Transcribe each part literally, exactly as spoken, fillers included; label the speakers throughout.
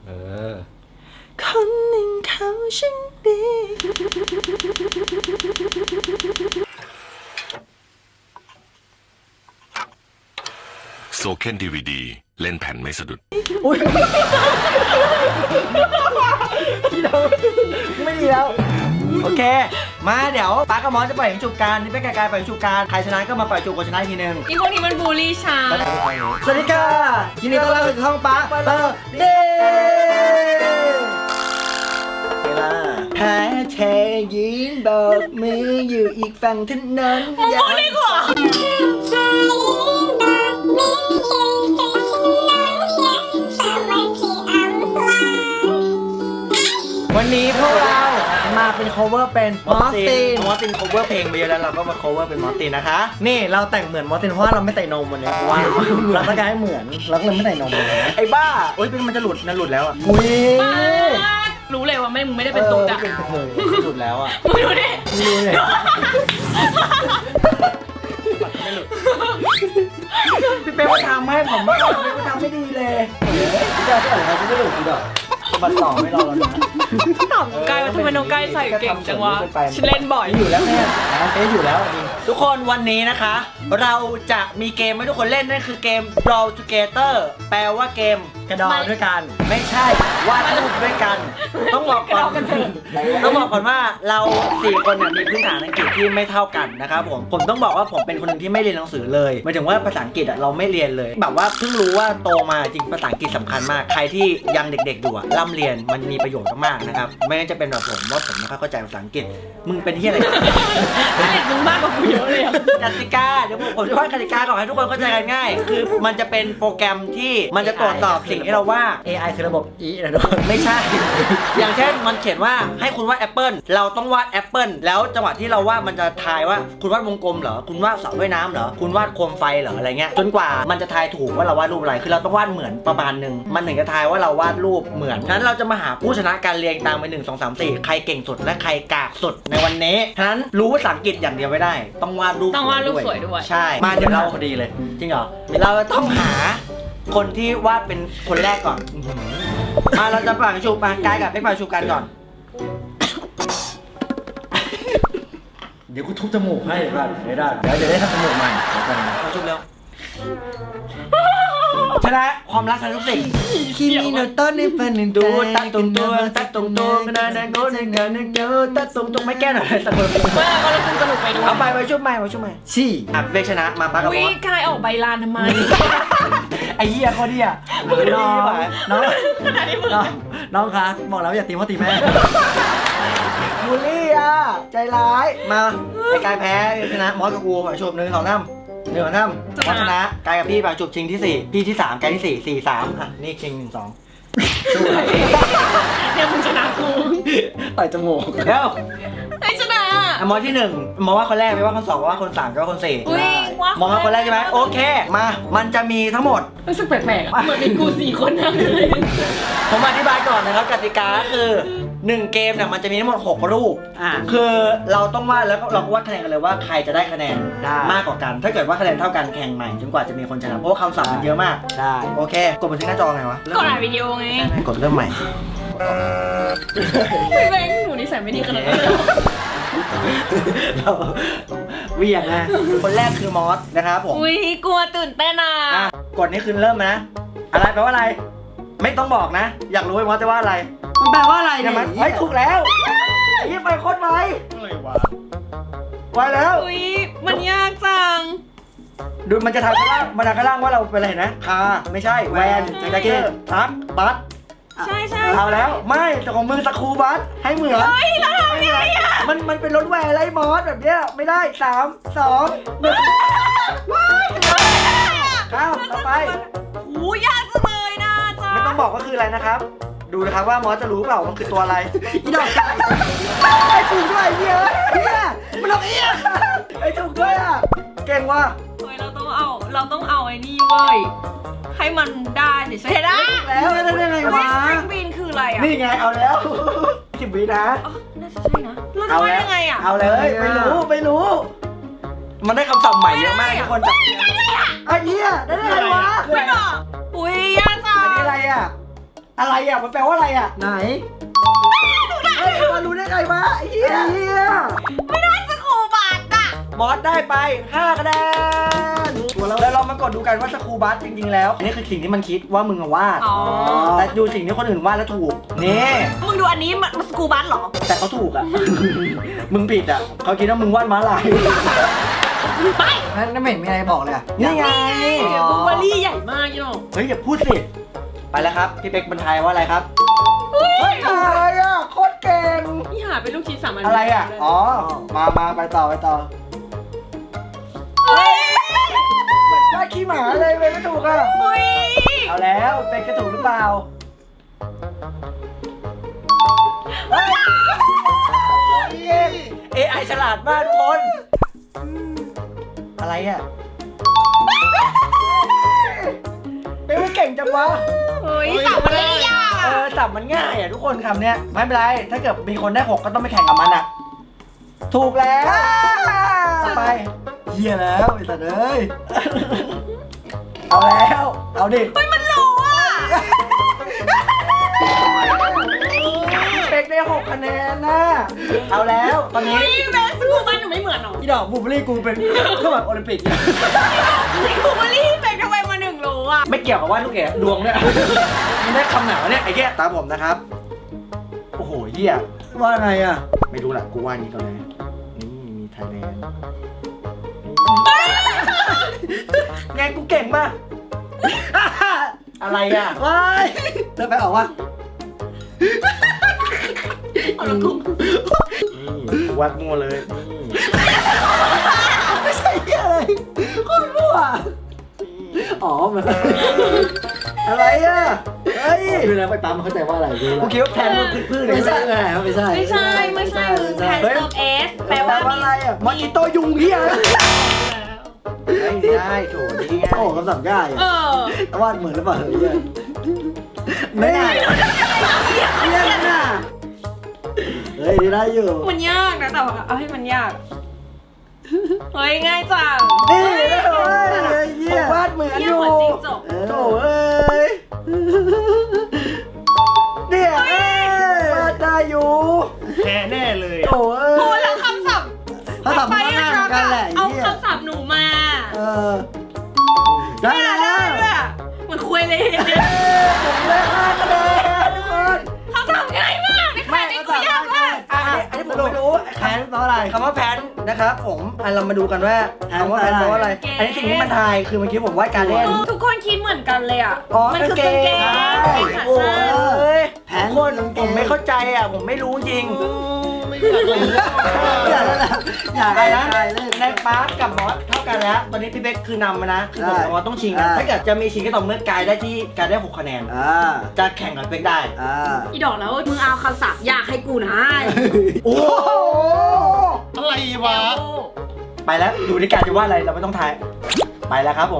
Speaker 1: เออ
Speaker 2: คนหนึ่งเขาช่างดี
Speaker 3: โซเคนดีวีดีเล่นแผ่นไม่สะดุด
Speaker 2: อุ้ยไม่ดีแล้วโอเคมาเดี๋ยวป๊ากับมอสจะปล่อยจูบกันนี่เป็นการปล่อยจูบกันใครชนะก็มาปล่อยจูบคนชนะทีนึง
Speaker 4: อีพวกนี้มันบูลลี่ฉัน
Speaker 2: สวัสดีค่ะยินดีต้อนรับสู่ช่องป๊าเบอร์เดย์เวลาหาเธอยืนบอกมืออยู่อีกฝั่งถนนอย่าดีกว่าวันนี้พวกเรามาเป็น cover เป็นมอสตินมอสติน cover เพลงไปเยอะแล้วเราก็มา cover เป็นมอสตินนะคะนี่เราแต่งเหมือนมอสตินเพราะว่าเราไม่ใส่นมวันนี้เพราะว่าเราต้องการให้เหมือนเราก็เลยไม่ใส่นมเลยนะไอ้บ้าโอ๊ยเป็นมันจะหลุดนะหลุดแล้วอ่ะอุ้ย
Speaker 4: รู้เลยว่าไม่มึงไม่ได้เป็นตุ๊กอะ
Speaker 2: หลุดแล้วอ่ะ
Speaker 4: ไม่รู้ดิ
Speaker 2: ไม่รู้เลยพี่เป๊กมาทำให้ผมไม่พี่เป๊กมาทำไม่ดีเลยพี่เจ้าที่อ่านเขาจะไม่หลุดกูดอกบัตรต่อไม่รอแล้วนะ
Speaker 4: ตอบกายว่าทำไมน้องกายใส่เก่งจังวะฉันเล่นบ่อย
Speaker 2: อยู่แล้วแม่เอ๊ะอยู่แล้วจริงทุกคนวันนี้นะคะเราจะมีเกมให้ทุกคนเล่นนั่นคือเกม Draw Together แปลว่าเกมกระดองด้วยกันไม่ใช่วาดรูปด้วยกันต้องบอกก่อนต้องบอกก่อนว่าเราสี่คนเนี่ยมีพื้นฐานอังกฤษที่ไม่เท่ากันนะครับผมผมต้องบอกว่าผมเป็นคนหนึ่งที่ไม่เรียนหนังสือเลยหมายถึงว่าภาษาอังกฤษอ่ะเราไม่เรียนเลยแบบว่าเพิ่งรู้ว่าโตมาจริงภาษาอังกฤษสำคัญมากใครที่ยังเด็กๆอยู่อ่ะร่ำเรียนมันมีประโยชน์มากๆนะครับไม่งั้นจะเป็นแบบผมว่าผมไม่ค่อยเข้าใจภาษาอังกฤษมึงเป็นที่อะไร
Speaker 4: เด็กมึงมากกว่ากูเยอะเลย
Speaker 2: กติกาเดี๋ยวผมจะว่ากติกาก่อนให้ทุกคนเข้าใจกันง่ายคือมันจะเป็นโปรแกรมที่มันจะตรวจสอบสิ่งที่เราว่า เอ ไอ คือระบบ อี นะทุกคนไม่ใช่อย่างเช่นมันเขียนว่าให้คุณวาดแอปเปิลเราต้องวาดแอปเปิลแล้วจังหวะที่เราวาดมันจะทายว่าคุณวาดวงกลมเหรอคุณวาดเสาว่ายน้ำเหรอคุณวาดโคมไฟเหรออะไรเงี้ยจนกว่ามันจะทายถูกว่าเราวาดรูปอะไรคือเราต้องวาดเหมือนประมาณนึงมันถึงจะทายว่าเราวาดรูปเหมือนนั้นเราจะมาหาผู้ชนะการเรียงตามไปหนึ่งสองสามสี่ใครเก่งสุดและใครกากสุดในวันนี้ฉะนั้นรู้ภาษาอังกฤษอย่างเดียวไม่ได้ต้องวาดรูป
Speaker 4: ต้องวาดรูปสวยด้วย
Speaker 2: ใช่มาเดี๋ยวเราพอดีเลยจริงเหรอเราต้องหาคนที่วาดเป็นคนแรกก่อนมาเราจะปั่นชูมากายกับเป๊กปั่นชูกันก่อนเดี๋ยวกูทุบจมูกให้ก่อนไม่ได้เดี๋ยวจะได้ทำจมูกใหม่เดี๋ยวก่อนนะปั่นชูเร็วชนะความรักชนะทุกสิ่งคิมิโนโตะในฝันหนึ่งดูตัดตรงตัวตัดตรงตัวไม่ได้นะก็ในงานนึงเจอตัดตรงตรงไม่แก้หน่อยสักคน
Speaker 4: เมื่อก็รู้สึกสนุกไปด้วย
Speaker 2: เอาไปไปชุบใหม่ไปชุบใหม่สี่อ่ะเบกชนะมาปักกับมอส
Speaker 4: กายออกใบลานทำไม
Speaker 2: ไอ้เหี้ยเขาเดียน้องน้องน้องน้องคะบอกแล้วอย่าตีพ่อตีแม่บูลลี่อ่ะใจร้ายมาไอ้กายแพ้ชนะมอสกับกูขอชุบหนึ่งสองน้ำหนึ่งสองน้ำมอสชนะกายกับพี่ไปชุบชิงที่สี่พี่ที่สามกายที่สี่สี่สามอ่ะนี่ชิงหนึ่งสองสู้ไอ้
Speaker 4: เนี่ยมึงชนะกู
Speaker 2: ต่อยจมูกเดี๋ยว
Speaker 4: ไอ้ชนะ
Speaker 2: มอสที่หนึ่งมอสว่าคนแรกไม่ว่าคนสองว่าคนสามก็ว่าคนสี่มอสว่าคนแรกใช่ไหมโอเคมามันจะมีทั้งหมด
Speaker 4: รู้สึกแปลกๆเหมือนมีกูสี่คนนะ
Speaker 2: ผมอธิบายก่อนนะครับกติกาคือหนึ่งเกมเนี่ยมันจะมีทั้งหมดหกรูปคือเราต้องวาดแล้วเราก็วาดคะแนนกันเลยว่าใครจะได้คะแนนมากกว่ากันถ้าเกิดว่าคะแนนเท่ากันแข่งใหม่จนกว่าจะมีคนชนะเพราะว่าคำศัพท์มันเยอะมากได้โอเคกดบันทึกหน้าจอไงวะ
Speaker 4: กดอ่านวิดีโอไง
Speaker 2: กดเริ่มใหม่
Speaker 4: ไม่แบงค์หนูนิสัยไม่ดีขนาดนั้น
Speaker 2: เราเวียงนะคนแรกคือมอสนะครับผม
Speaker 4: อุ้ยกลัวตื่นเต้นอ่ะ
Speaker 2: กดนี่คือเริ่มนะอะไรแปลว่าอะไรไม่ต้องบอกนะอยากรู้ไหมมอสจะว่าอะไรมันแปลว่าอะไรเนี่ยมันไม่ถูกแล้วยี่ไปโคตรไวอะไรวะไวแล้ว
Speaker 4: อุ้ยมันยากจัง
Speaker 2: ดูมันจะทำข้างล่างมันทำข้างล่างว่าเราเป็นอะไรนะคาไม่ใช่แวนแจ็คเก็ตทักบัส
Speaker 4: ใช่ใช่
Speaker 2: เอาแล้วไม่แต่ของมือสกูบัสให้เหมือน
Speaker 4: เฮ้ยแล้วทำยังไงอ่ะ
Speaker 2: มันมันเป็นรถแวนไรมอสแบบเนี้ยไม่ได้สามสองหนึ่งข้าวต่อไป
Speaker 4: โอ้ยากจังเลยนะจ๊ะ
Speaker 2: ไม่ต้องบอกว่าคืออะไรนะครับดูนะครับว่ามอสจะรู้เปล่ามันคือตัวอะไรอีดอกไก่ไอ้ถูกด้วยเหี้ยเหี้ยมันหลอกเหี้ยไอ้ถูกด้วยอ่ะเก่งว่ะ
Speaker 4: เฮ้ยเราต้องเอาเราต้องเอาไอ้นี่เว้ยให้มันได้เดี๋ยวใช่ได้
Speaker 2: แล้วได้ยังไงวะ
Speaker 4: string bean คืออะไรอ่ะ
Speaker 2: นี่ไงเอาแล้วสิบวินะ
Speaker 4: น่าจะใช่นะเราจะว่ายังไงอ่ะ
Speaker 2: เอาเลยไม่รู้ไม่รู้มันได้คำศัพท์ใหม่เยอะมากทุกคนจับไอ้เหี้ยได้ยังไงวะ
Speaker 4: ไม่บอกอุ้ยยากจัง
Speaker 2: อันนี้อะไรอ่ะอะไรอ่ะมันแปลว่าอะไรอ่ะ
Speaker 1: ไหนเฮ้ยมารู้ได้ไงวะไอ้เหี้ยเหี้ย
Speaker 4: ไม่ได้สกูบัตอ่ะ
Speaker 2: มอสได้ไปห้าคะแนนแล้วเรามากดดูกันว่าสครูบัสจริงๆแล้วอันนี้คือสิ่งที่มันคิดว่ามึงอะวาด
Speaker 4: อ๋อ
Speaker 2: แต่ดูสิ่งที่คนอื่นวาดแล้วถูกนี่
Speaker 4: มึงดูอันนี้มันสกูบัตเหรอ
Speaker 2: แต่เขาถูกอ่ะ มึงผิดอ่ะเขาคิดว่ามึงวาดม้าลาย
Speaker 4: ไป
Speaker 1: นั่นไม่เห็นมีอะไรบอกเลยอะ
Speaker 2: นี่ไง
Speaker 4: เดี๋ยวบลูเบอร์รี่ใหญ่มากยี่หนอ
Speaker 2: เฮ้ยอย่าพูดสิไปแล้วครับพี่เป๊กบรรทายว่าอะไรครับ
Speaker 4: เฮ้ย
Speaker 2: อะไรอ่ะโคตรเก่ง
Speaker 4: นี่หาเป็นลูกชิ้นสามอัน
Speaker 2: อะไรอ่ะอ๋อมามาไปต่อไปต่อ
Speaker 4: เฮ้ย
Speaker 2: เหมือนวาดขี้หมาเลยเว้ยไม่ถูกอ่ะ
Speaker 4: เฮ้ย
Speaker 2: เอาแล้วเป็นกระถูกหรือเปล่า เอไอ ฉลาดมากทุกคน อะไรอ่ะเป็นไม่เก่งจังวะ
Speaker 4: เฮ้ยสามอันเลยอ่ะ
Speaker 2: เออจับมันง่ายอ่ะทุกคนคำเนี้ยไม่เป็นไร ถ้าเกิดมีคนได้หกก็ต้องไปแข่งกับมันอ่ะ ถูกแล้วต่อไป
Speaker 1: เหี้ยแล้วไอ้สัตว์เอ้ย
Speaker 2: เอาแล้ว เอาดิ
Speaker 4: เฮ้ยมันรู้อ่ะ
Speaker 2: เป็กได้หกคะแนนนะเอาแล้วตอนนี้
Speaker 4: เฮ้ยแม่สกูบัตหนูไม่เหมือนหรอ
Speaker 2: อีดอกบูเบอรี่กูเป็นเครื่องแบบโอลิมปิกเนี่ย
Speaker 4: บลูเบอร์รี่เป็นทำไมมาหนึ่งรู้อ่ะ
Speaker 2: ไม่เกี่ยวกับว่าลูกเอ๋ดวงเนี่ยมันได้คำไหนวะเนี่ยไอ้แก่ตามผมนะครับ โอ้โหเหี้ย
Speaker 1: ว่าไงอะ
Speaker 2: ไม่รู้แหละกูว่านี้ก่อนเลย นี่มีไทยแลนด์ไงกูเก่งป่ะ อะไรอ่ะ
Speaker 1: ว้ายเดินไปออกวะ
Speaker 4: เอาละกุ้ง
Speaker 2: นี่กูวาดมั่วเลยนี่
Speaker 1: ไม่ใช่เหี้ยอะไรโคตรมั่วอ๋อมันอะไรอะเฮ้ยดูแล้วไปปั๊มมันเข้าใจว่าอะไรดู
Speaker 2: กู
Speaker 1: แล้ว
Speaker 2: คิดว่าแทนมึงพืชๆเลย
Speaker 1: ไม่ใช่ไงครับไม่ใช่
Speaker 4: ไม่ใช่ไม่ใช่มึงแทนเติมเอสแปลว่ามี
Speaker 2: อะไรอ่ะมอจิโตยุงเหี้ยไม่ได้โถนี่ไง
Speaker 1: โอ้คำสั่งง่าย
Speaker 4: เอ
Speaker 1: อะ
Speaker 4: อ
Speaker 1: วาดเหมือนหรือเปล่าเฮ้ยไม่ได้เยี่ยมน่ะเฮ้ยได้อยู่
Speaker 4: มันยากนะแต่ว่าเอาให้มันยาก เฮ้ยง่ายจัง
Speaker 1: นี่
Speaker 4: เฮ้ย
Speaker 1: โอ้ยเฮ้ย
Speaker 2: ผ
Speaker 1: เยี่ย
Speaker 2: มวาดเหมือน
Speaker 4: เยี่
Speaker 2: อย
Speaker 4: ม
Speaker 2: ยู่
Speaker 4: เหมือนจริงจบ
Speaker 2: โถเอ้ยเนี่ยวาดได้อยู่แพ้แน่เลยโถเอ้
Speaker 4: พูด
Speaker 2: ย
Speaker 4: แล้วคำศัพท์
Speaker 1: เขาทำมาง่ายเหมือนกันแหละ
Speaker 4: เอา
Speaker 1: เยี่ย
Speaker 4: คำศัพท์หนูมา
Speaker 1: เออได้
Speaker 4: ไม่
Speaker 1: แล้
Speaker 4: ได้
Speaker 1: ว
Speaker 4: ด้วยอะเหมือนคุยเลยเนี่ย
Speaker 2: ผมได้ห้าคะแนนทุกคน
Speaker 4: คำศัพท์ง่ายมากในขณะที่กูยากมาก
Speaker 2: อันนี้อันนี้ผมไม่รู้
Speaker 1: แพ้เพราะอะไร
Speaker 2: คำว่าแพนนะครับผมอ่ะเรามาดูกันว่าคำว่าแพนแปลว่าอะไร อันนี้สิ่งที่มันทายคือเมื่อกี้ผมวาดการเล่น
Speaker 4: ทุกคนคิดเหมือนกันเลยอ่ะ
Speaker 2: อ๋อ
Speaker 4: มันคือกางเกง
Speaker 2: ใช่
Speaker 4: ขา
Speaker 2: โอ้
Speaker 4: สั้น
Speaker 2: ยแผนคนผมไม่เข้าใจอ่ะ ผมไม่รู้จริง
Speaker 1: อยากแล้วนะอยาก
Speaker 2: อะไรนะ
Speaker 1: ได้เล่น
Speaker 2: ในปาร์คกับมอสเท่ากันแล้ว ตอนนี้พี่เบ๊กคือนำมานะ คือผม
Speaker 1: ได้
Speaker 2: กับมอสต้องชิงกัน
Speaker 1: ได้
Speaker 2: ถ้าเกิดจะมีชิงก็ต่อเมื่อกายได้ที่กายได้หกคะแนน
Speaker 1: อ่า
Speaker 2: จะแข่งกับเบ๊กได้
Speaker 1: อ่า
Speaker 4: อีดอกแล้วมึงเอาคำศัพท์ยากให้กูนะ
Speaker 2: โอ้โห
Speaker 5: อะไรวะ
Speaker 2: ไปแล้วดูในการจะว่าอะไรเราไม่ต้องทาย ไปแล้วครับผม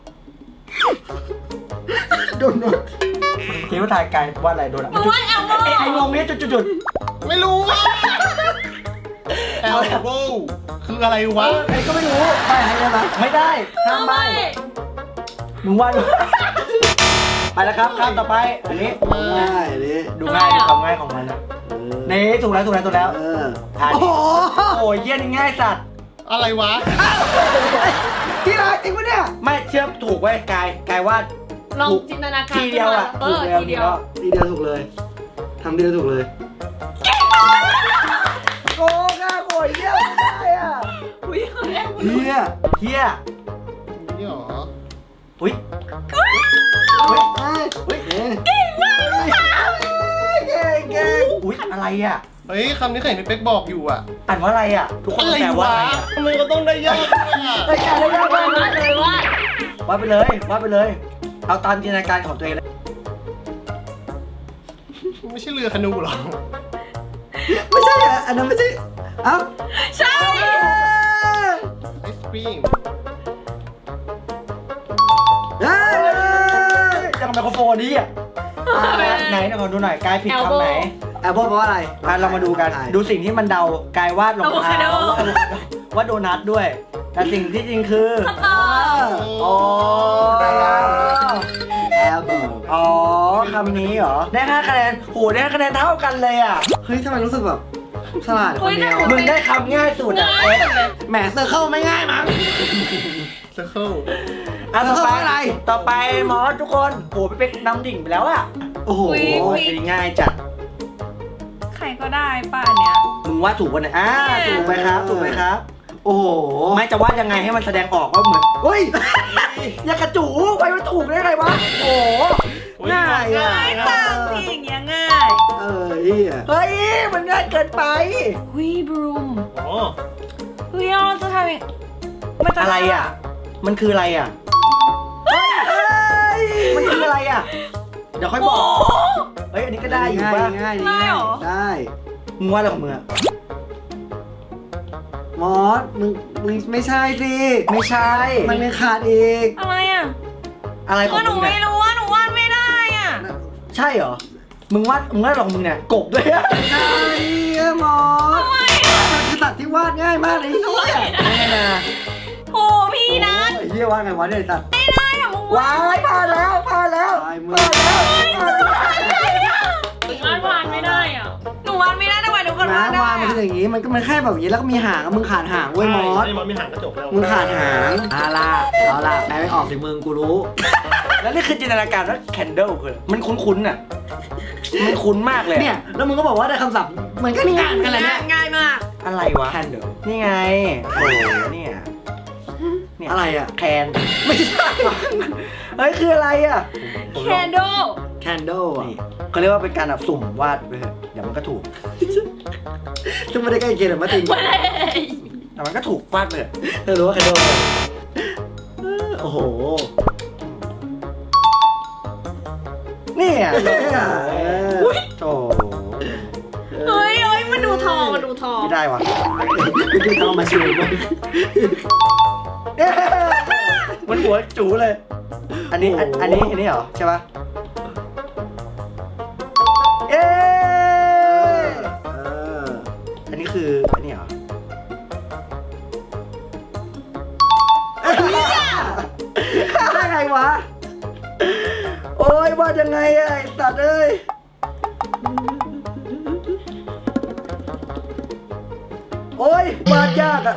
Speaker 1: โดนโดน
Speaker 2: คิดว่าทายกายว่าอะไรโดนอ่ะ
Speaker 4: มึงว่าแอลโบ
Speaker 2: ไอ้ไอ้งงเนี่ยจุดจุดจุด
Speaker 5: ไม่รู้วะแอลโบคืออะไรวะ
Speaker 2: ไอ้ก็ไม่รู้
Speaker 1: ไปให้ได้ไหม
Speaker 2: ไม่ได้ห้ามใบ
Speaker 4: ไม่
Speaker 2: มึงว่าดู ไปแล้วครับข้ามต่อไป อันนี้
Speaker 1: ง่ายดิ
Speaker 2: ดูง่ายดูความง่ายของมันนะ
Speaker 1: เออ
Speaker 2: นี่ถูกแล้วถูกแล้วถูกแล้ว
Speaker 1: เออ
Speaker 2: ทาน
Speaker 1: โอ้โห
Speaker 2: โอ้ยเยี่ยนี่ง่ายสัตว์
Speaker 5: อะไรวะ
Speaker 1: ที่รักจริงปะเนี่ย
Speaker 2: ไม่เชื่อถูกไว้ยกายกายว่า
Speaker 4: ลอง
Speaker 2: ถูก
Speaker 4: จินตนาการ
Speaker 2: ทีเดียวอ่ะ
Speaker 4: เอ
Speaker 2: ถูก
Speaker 4: อ
Speaker 2: แล้ว
Speaker 4: ที
Speaker 2: นี่
Speaker 4: เดียว
Speaker 2: ก็
Speaker 1: ทีเดียวถูกเลยทำทีเดียวถูกเลย
Speaker 2: โกงอ่ะโอยเยี่ยไม่ได้อ่ะ
Speaker 4: อุ้ยเฮ้ย
Speaker 1: เฮีย
Speaker 2: เฮีย
Speaker 5: นี่หรอ
Speaker 2: อุ้ย
Speaker 1: เฮ้ยเฮ้ย
Speaker 2: อุ้ย
Speaker 1: เอ๊ะ
Speaker 2: เก่งเก่งอุ้ยอะไรอ่ะ
Speaker 5: เฮ้ยคำนี้เคยเห็นพี่เป๊กบอกอยู่อะ
Speaker 2: อ่านว่าอะไรอ่ะ ทุกคน
Speaker 5: อะไร
Speaker 2: แปลว่าว
Speaker 5: ะ
Speaker 2: อะไรอ่ะ
Speaker 5: ทำไมก็ต้องได้ยากอะ
Speaker 2: ไอ้ยกายได้ยากมาก
Speaker 4: ว่าเลยว่า
Speaker 2: ว่าไปเลยว่าไปเลย เอาตามจินตนาการของตัวเองเลย
Speaker 5: ไม่ใช่เรือคานูหรอ
Speaker 1: ไม่ใช่อ่ะอันนั้นไม่ใช่เอ้า
Speaker 4: ใช่
Speaker 5: ไอศครีม
Speaker 1: เฮ้ย
Speaker 2: ยังไมโครโฟนนี้อ่ะอ่าไหนเดี๋ยวขอดูหน่อยกายผิดคำไหน
Speaker 1: แอปเปิลเพราะอะไร
Speaker 2: อ่ะเรามาดูกัน ดูสิ่งที่มันเดากายวาดรองเท้าว่าโดนัทด้วย แต่สิ่งที่จริงคือ
Speaker 4: คำตอบ
Speaker 2: โอ้ได้แล้ว
Speaker 1: อ่า elbow
Speaker 2: อ๋อคำนี้เหรอ ได้ห้าคะแนนโหได้ห้าคะแนนเท่ากันเลยอ่ะ
Speaker 1: เฮ้ยทำไมรู้สึกแบบฉลาดคนเดียว
Speaker 2: มึงได้คำง่ายสุดอ่ะ
Speaker 4: ง่ายหมดเลย
Speaker 1: แหมเซอร์เคิลไม่ง่ายมั้ง
Speaker 5: circle
Speaker 2: อ่ะต่อไป
Speaker 1: อะไร
Speaker 2: ต่อไปมอสทุกคนโหไปเป็นน้ำดิ่งไปแล้วอ่ะ
Speaker 1: โอ้โห
Speaker 2: โอ้ยอันนี้ง่ายจัด
Speaker 4: ใครก็ได้ป่ะอันเนี้ย
Speaker 2: มึงว่าถูกวันไหนอ่าถูกไหมครับ ถูกไหมครับ
Speaker 1: โอ้โห
Speaker 2: ไม่จะวาดยังไงให้มันแสดงออกว่าเหมือนเฮ้ย อย่ากระจูไปมันถูกได้ไงวะ โอ้โหง่ายอ่ะ
Speaker 4: ง่ายจังพี่อย่างเงี้ยง่าย
Speaker 1: เออเฮีย
Speaker 2: เฮ้ย มันง่ายเกินไป
Speaker 4: วิบรูม
Speaker 5: อ๋อ
Speaker 4: เฮ้ยเราจะทำยังมันจะ
Speaker 2: อะไรอ่ะ มันคืออะไรอ่ะ เฮ้ย มันคืออะไรอ่ะ เดี๋ยวค่อยบอก เฮ้ย อันนี้ก็ได้อยู่
Speaker 1: ง่าย
Speaker 2: ป่ะ
Speaker 1: ง่าย
Speaker 4: ง่ายเหรอ
Speaker 1: ได้
Speaker 2: มึงว่าอะไรของมึงอ่ะ
Speaker 1: มอสมึงมึงไม่ใช่สิ
Speaker 2: ไม่ใช่
Speaker 1: มันไม่ขาดอีก
Speaker 4: อะไรอ่ะ
Speaker 2: อะไรขอ
Speaker 4: ก็
Speaker 2: ง
Speaker 4: หนู
Speaker 2: มึง
Speaker 4: ไม่
Speaker 2: เนี่ย
Speaker 4: รู้ว่าหนูวาดไม่ได้อ่ะ
Speaker 2: ใช่เหรอ มึงวาดมึงวาดของมึงเนี่ย กบด้วยอะ
Speaker 1: ใช่อะมอส
Speaker 4: ทำไมอ่ะ
Speaker 1: มันคือสัตว์ที่วาดง่ายมากเลยเนี่ย
Speaker 2: ไม่ไงนะ
Speaker 4: โอ้พี่นัท
Speaker 1: โอ้ยเฮียวาดไงวะเนี่ยไอ้สัตว์
Speaker 4: ไม่ได้อ่ะมึงวาด
Speaker 2: ว้ายผ่านแล้วผ่านแล้ว
Speaker 1: ตายมือ
Speaker 2: ผ่านแล้วผ่านแล้ว
Speaker 4: วาดวาดไม่ได้อ่ะหนูวาดไม่ได้ทำไมหนูก็วาดได้
Speaker 1: น้ำวางมัน
Speaker 4: อ่ะ
Speaker 1: คืออย่างงี้ มันก็มันแค่แบบอย่างงี้แล้วก็มีหางอะมึงขาดหางเว้ยมอส
Speaker 5: ไอ้มอสมีหางกระจกแล้ว
Speaker 1: มึงขาดหางเอาล่ะเอาล่ะแปลไม่ออกสิมึงกูรู้
Speaker 2: แล้วนี่คือจินตนาการว่าแคนเดิลคืออะไรมันคุ้นๆอ่ะ มันคุ้นมากเลย
Speaker 1: เนี่ยแล้วมึงก็บอกว่าได้คำศัพท์มันก็ง่ายเหมือนกันแหละเนี่ย
Speaker 4: ง่ายมาก
Speaker 2: อะไรวะ
Speaker 1: แคนเดล
Speaker 2: นี่ไง โอ้โหเนี่ยเนี่ย
Speaker 1: อะไรอ่ะ
Speaker 2: แคนไม่ใช่ เฮ้ยคืออะไรอ่ะ
Speaker 4: แคนโด
Speaker 1: แคนเดลอ่ะ
Speaker 2: นี่เขาเรียกว่าเป็นการแบบสุ่มวาดไปเถอะเดี๋ยวมันก็ถูก
Speaker 1: ซึ่งไม่ได้ใกล้เคียงหรอกมาติง
Speaker 2: แต่มันก็ถูกวาดไปเถอะ
Speaker 1: เธอรู้ว่าแคนเดลโอ้โห
Speaker 2: เนี่ย
Speaker 1: เออ
Speaker 2: โอ้โห
Speaker 4: เฮ้ยเฮ้ยมันดูทองมันดูทอง
Speaker 2: ไม่ได้ว่ะ
Speaker 1: ไม่ได้ทำมาชิวมัน
Speaker 2: เอ๊ะมันหัวจูเลย อันนี้อันอันนี้อันนี้เหรอใช่ปะเอ๊ะ
Speaker 1: เออ
Speaker 2: อันนี้คืออันนี้เหรอ
Speaker 1: ได้ไงวะ
Speaker 2: โอ้ยวาดยังไงอะไอ้สัตว์เอ้ยโอ้ยวาดยากอะ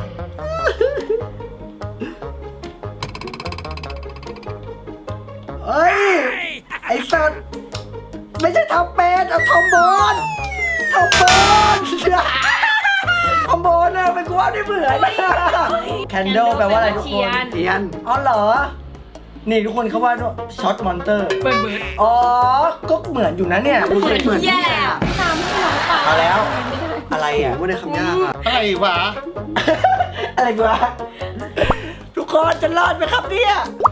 Speaker 2: เฮ้ย ไอ้สัตว์ไม่ใช่ทำเป็นเอาทอมโบนทอมโบนทอมโบนอะเป็นกูว่าได้เหมือนแคนเดลแปลว่าอะไรทุกคน
Speaker 1: เทียน
Speaker 2: อ๋อเหรอ นี่ทุกคนเขาว่าช็อตมอนเตอร์
Speaker 4: เบิร์ดเบิร์ด
Speaker 2: อ๋อ ก็เหมือนอยู่นะเนี่ยดูสิ
Speaker 1: เหมือน
Speaker 4: แย่อะตามที่เราตาม
Speaker 2: เอาแล้ว อะไร
Speaker 1: โอ้
Speaker 2: อ่ะ
Speaker 1: โหไม่ได้คำยากอ่ะ
Speaker 5: อะไรวะ
Speaker 2: อะไรวะ ทุกคนจะรอดไหมครับเนี่ย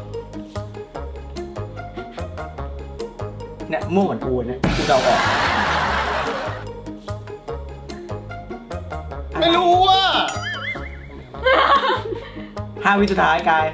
Speaker 2: เนี่ยมุ่งเหมือนกูเนี่ยกูเดาออก
Speaker 5: ไม่รู้ว่า
Speaker 2: ห้าวิสุดท้ายกาย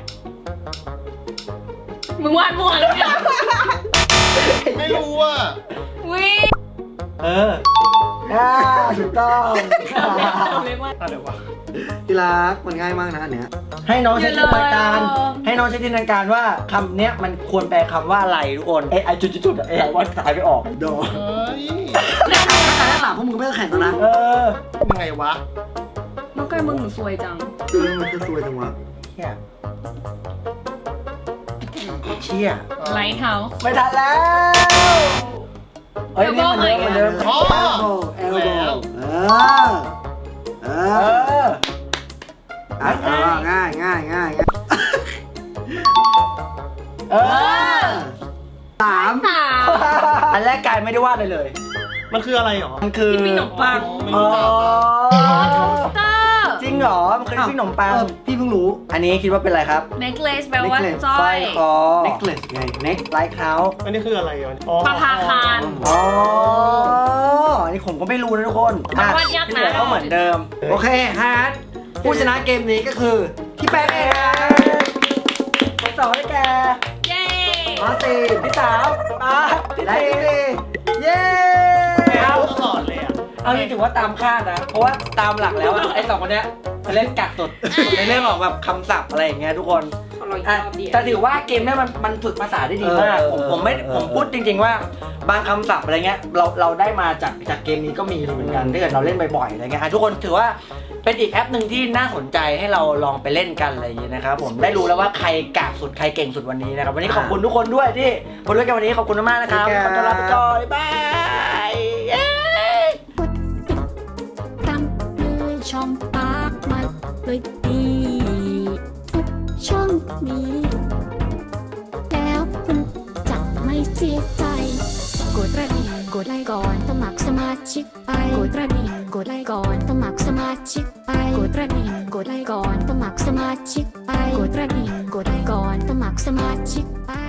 Speaker 4: มึงวาดมั่วแล้วเนี่ย
Speaker 5: ไม่รู้ว่า
Speaker 4: วิ
Speaker 2: เอออ่าถูกต้อง
Speaker 4: เรียกว่า
Speaker 5: อะไรวะ
Speaker 1: ที่รักมันง่ายมากนะอันเนี้ย
Speaker 2: ให้น้องใช้จินตนาการ
Speaker 4: เยอะเลย
Speaker 2: ให้น้องใช้จินตนาการว่าคำเนี้ยมันควรแปลคำว่าอะไรทุกคน เอ้ไอจุดๆๆเอ้ไอว่าตายไปออก
Speaker 1: โด
Speaker 5: เฮ้ย
Speaker 1: ถ้าหลังพวกมึงก็ไม่ต้องแข่งแล้วนะ
Speaker 2: เออ
Speaker 5: ยังไงวะ
Speaker 4: น้องไก่มึงหนูสวยจัง
Speaker 1: ดูมันจะสวยจังวะ
Speaker 2: เชี่ยเชี่ย
Speaker 4: ไลท์เฮาส์
Speaker 2: ไม่ทันแล้ว เฮ้ยนี่มันเดิมเหมือนเดิม
Speaker 5: อ๋อ
Speaker 1: เอลโบ
Speaker 5: แล้ว
Speaker 1: เออ เอ
Speaker 2: เอ
Speaker 1: อ
Speaker 2: อ
Speaker 1: อ่ะเออง่ายง่ายง่ายง่าย
Speaker 2: เออ
Speaker 1: สาม
Speaker 4: สาม
Speaker 2: อันแรกกายไม่ได้วาดเลยเลย
Speaker 5: มันคืออะไรหรอ
Speaker 2: มันคือ
Speaker 4: ที่มีขนมปัง
Speaker 5: ไม่
Speaker 2: อ๋อ
Speaker 5: รู้จัก
Speaker 4: โทสเตอร์
Speaker 2: จริงเหรอ มันคือปิ้งขนมปัง
Speaker 1: เออพี่เพิ่งรู้
Speaker 2: อันนี้คิดว่าเป็นอะไรครับ
Speaker 4: เน c เลสแปลว่า
Speaker 1: necklace
Speaker 4: สร้
Speaker 2: ส
Speaker 4: อ
Speaker 2: ร้อย ยคอ
Speaker 1: necklace ไง neck
Speaker 2: ไลท์เท้า
Speaker 5: อันนี้คืออะไรอ่ะอ๋อ
Speaker 4: ประภาคาร
Speaker 2: อ๋อ อันนี้ผมก็ไม่รู้นะทุกคน
Speaker 4: มันวาดยากนะ
Speaker 2: ที่เหลือก็เหมือนเดิม
Speaker 1: โอเคฮาร์ดผู้ชนะเกมนี้ก็คือพี่แป้งเองครับ
Speaker 2: คนสองได้แก่
Speaker 4: เย้
Speaker 1: มาสี่
Speaker 2: พี่สาวมาพี่
Speaker 1: และ
Speaker 2: ตี
Speaker 1: พี่สี่เย้
Speaker 5: เอาตลอดเลยอ่ะ
Speaker 2: เอาจริงถือว่าตามคาดนะ เพราะว่าตามหลักแล้วอะไอ้สองคนเนี้ยจะเล่นกักสุดในเรื่องของแบบคำศัพท์อะไรอย่างเงี้ยทุกคน
Speaker 4: เเราอีก
Speaker 2: อ่ะ
Speaker 4: รอบเดียว
Speaker 2: แต่ถือว่าเกมเนี้ยมันมันฝึกภาษาได้ดีมาก
Speaker 1: เออ
Speaker 2: ผมผมไม่
Speaker 1: เออ
Speaker 2: ผมพูดจริง ๆว่าบางคำศัพท์อะไรเงี้ยเราเราได้มาจากจากเกมนี้ก็มีเหมือนกันถ้าเกิดเราเล่นบ่อยๆอะไรเงี้ยอ่ะทุกคนถือว่าเป็นอีกแอปหนึ่งที่น่าสนใจให้เราลองไปเล่นกันอะไรอย่างงี้นะครับผมได้รู้แล้วว่าใครกากสุดใครเก่งสุดวันนี้นะครับวันนี้ขอบคุณทุกคนด้วยที่มาด้วยกันวันนี้ขอบคุณมากๆนะครับขอต้อนรับไปก่อนบ๊ายบายเย้
Speaker 6: ตามเลยช่องปากมาเลยดีกดช่องนี้ แล้วคุณจะไม่เสียใจ กดกระดิ่งกดไลค์ก่อนสมัครสมาชิกไปกดกระดิ่งกดไลค์ก่อนสมัครสมาชิกไปกดกระดิ่งกดไลค์ก่อนสมัครสมาชิกไปกดกระดิ่งกดไลค์ก่อนสมัครสมาชิกไป